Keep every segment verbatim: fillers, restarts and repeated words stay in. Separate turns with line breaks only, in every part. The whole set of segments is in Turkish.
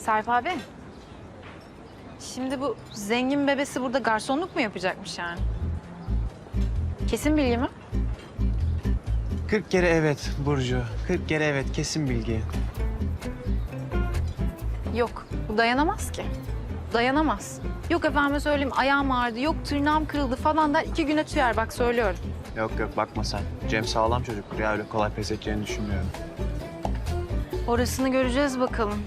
Sarp abi. Şimdi bu zengin bebesi burada garsonluk mu yapacakmış yani? Kesin bilgi mi?
Kırk kere evet Burcu. Kırk kere evet, kesin bilgi.
Yok, bu dayanamaz ki. Dayanamaz. Yok efendime söyleyeyim ayağım ağrıdı, yok tırnağım kırıldı falan der. iki güne tüyer bak söylüyorum.
Yok yok, bakma sen. Cem sağlam çocuktur ya, öyle kolay pes edeceğini düşünmüyorum.
Orasını göreceğiz bakalım.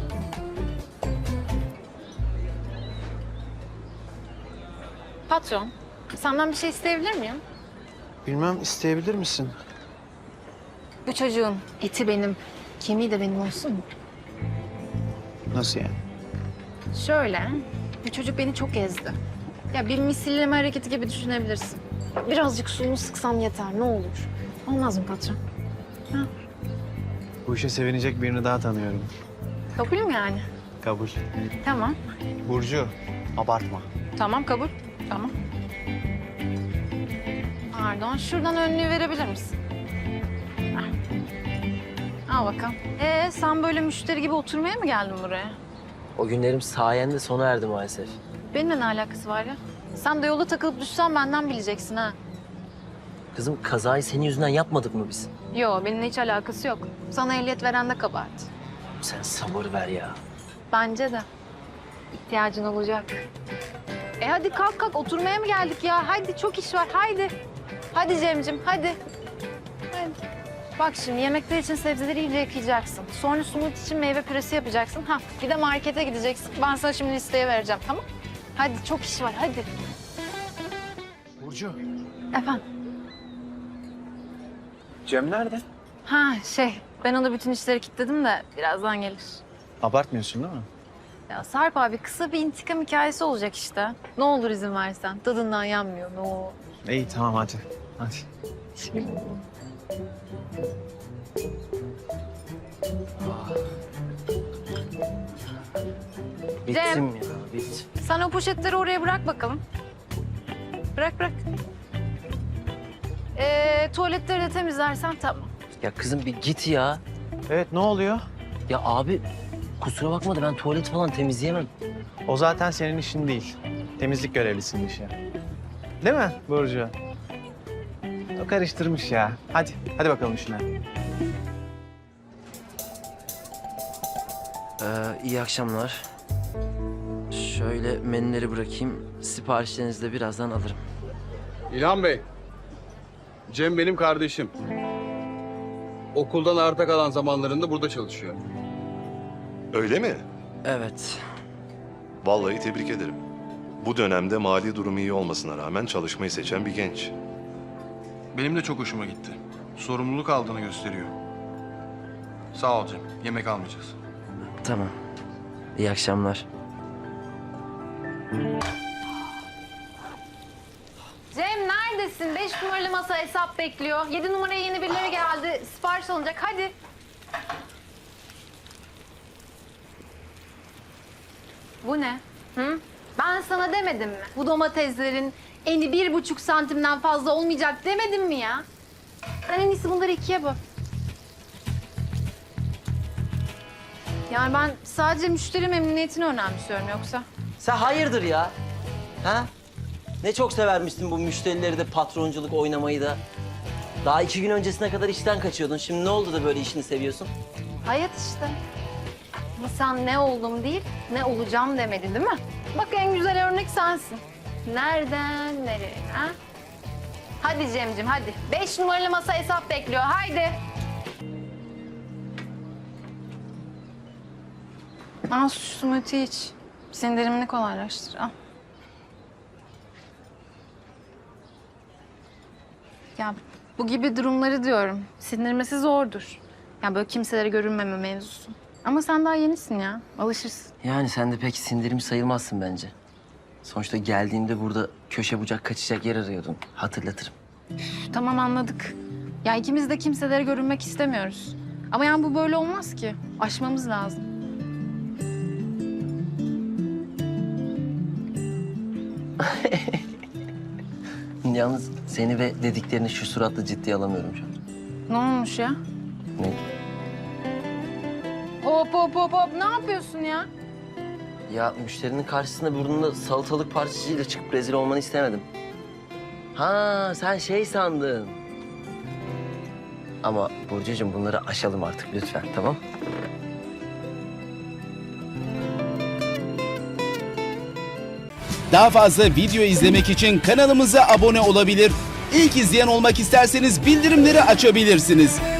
Patron, senden bir şey isteyebilir miyim?
Bilmem, isteyebilir misin?
Bu çocuğun eti benim, kemiği de benim olsun mu?
Nasıl yani?
Şöyle, bu çocuk beni çok ezdi. Ya bir misilleme hareketi gibi düşünebilirsin. Birazcık suyunu sıksam yeter, ne olur. Olmaz mı patron? Ha?
Bu işe sevinecek birini daha tanıyorum.
Kabul mü yani?
Kabul.
Tamam.
Burcu, abartma.
Tamam, kabul. Tamam. Pardon, şuradan önlüğü verebilir misin? Hah. Al bakalım. Ee, sen böyle müşteri gibi oturmaya mı geldin buraya?
O günlerim sayende sona erdi maalesef.
Benimle ne alakası var ya? Sen de yolda takılıp düşsen benden bileceksin ha.
Kızım kazayı senin yüzünden yapmadık mı biz?
Yo, benimle hiç alakası yok. Sana ehliyet veren de kabahat.
Sen sabır ver ya.
Bence de. İhtiyacın olacak. E hadi kalk kalk, oturmaya mı geldik ya? Hadi çok iş var, haydi. Hadi Cemcim, hadi. Hadi. Bak şimdi yemekler için sebzeleri iyice yıkayacaksın. Sonra smoothie için meyve püresi yapacaksın. Ha, bir de markete gideceksin. Ben sana şimdi listeye vereceğim, tamam? Hadi çok iş var, hadi.
Burcu.
Efendim?
Cem nerede?
Ha şey, ben ona bütün işleri kilitledim de birazdan gelir.
Abartmıyorsun değil mi?
Ya Sarp abi kısa bir intikam hikayesi olacak işte. Ne olur izin versen. Tadından yanmıyor, ne olur.
İyi tamam, hadi. Hadi.
Bittim ya, bit.
Sen o poşetleri oraya bırak bakalım. Bırak bırak. Ee, tuvaletleri de temizlersen tamam.
Ya kızım bir git ya.
Evet, ne oluyor?
Ya abi kusura bakma da ben tuvalet falan temizleyemem.
O zaten senin işin değil. Temizlik görevlisinin işi. Değil mi Burcu? O karıştırmış ya. Hadi, hadi bakalım işine.
Ee, iyi akşamlar. Şöyle menüleri bırakayım. Siparişlerinizi de birazdan alırım.
İlhan Bey, Cem benim kardeşim. Okuldan arta kalan zamanlarında burada çalışıyor.
Öyle mi?
Evet.
Vallahi tebrik ederim. Bu dönemde mali durumu iyi olmasına rağmen çalışmayı seçen bir genç.
Benim de çok hoşuma gitti. Sorumluluk aldığını gösteriyor. Sağ ol Cem. Yemek almayacağız.
Tamam. İyi akşamlar.
Cem neredesin? Beş numaralı masa hesap bekliyor. Yedi numaraya yeni birileri geldi. Sipariş alınacak. Hadi. Bu ne? Hı? Ben sana demedim mi? Bu domateslerin eni bir buçuk santimden fazla olmayacak demedim mi ya? Sen en iyisi bunları ikiye böl. Yani ben sadece müşteri memnuniyetini önemsiyorum yoksa.
Sen hayırdır ya? Ha? Ne çok severmiştin bu müşterileri de patronculuk oynamayı da. Daha iki gün öncesine kadar işten kaçıyordun. Şimdi ne oldu da böyle işini seviyorsun?
Hayat işte. Ama sen ne oldum değil, ne olacağım demedin değil mi? Bak en güzel örnek sensin. Nereden nereye ha? Hadi Cemcim hadi. Beş numaralı masa hesap bekliyor. Haydi. Al şu smoothie iç. Sindirimini kolaylaştır. Al. Ya bu gibi durumları diyorum. Sindirmesi zordur. Ya böyle kimselere görünmeme mevzusu. Ama sen daha yenisin ya. Alışırsın.
Yani sen de pek sindirim sayılmazsın bence. Sonuçta geldiğimde burada köşe bucak kaçacak yer arıyordun. Hatırlatırım.
Üf, tamam anladık. Ya ikimiz de kimselere görünmek istemiyoruz. Ama yani bu böyle olmaz ki. Aşmamız lazım.
Yalnız seni ve dediklerini şu suratla ciddiye alamıyorum şu an.
Ne olmuş ya?
Ne?
Hop hop hop hop. Ne yapıyorsun ya?
Ya müşterinin karşısında burnunda salatalık parçacığıyla çıkıp rezil olmanı istemedim. Ha sen şey sandın. Ama Burcucuğum bunları aşalım artık lütfen, tamam?
Daha fazla video izlemek için kanalımıza abone olabilir. İlk izleyen olmak isterseniz bildirimleri açabilirsiniz.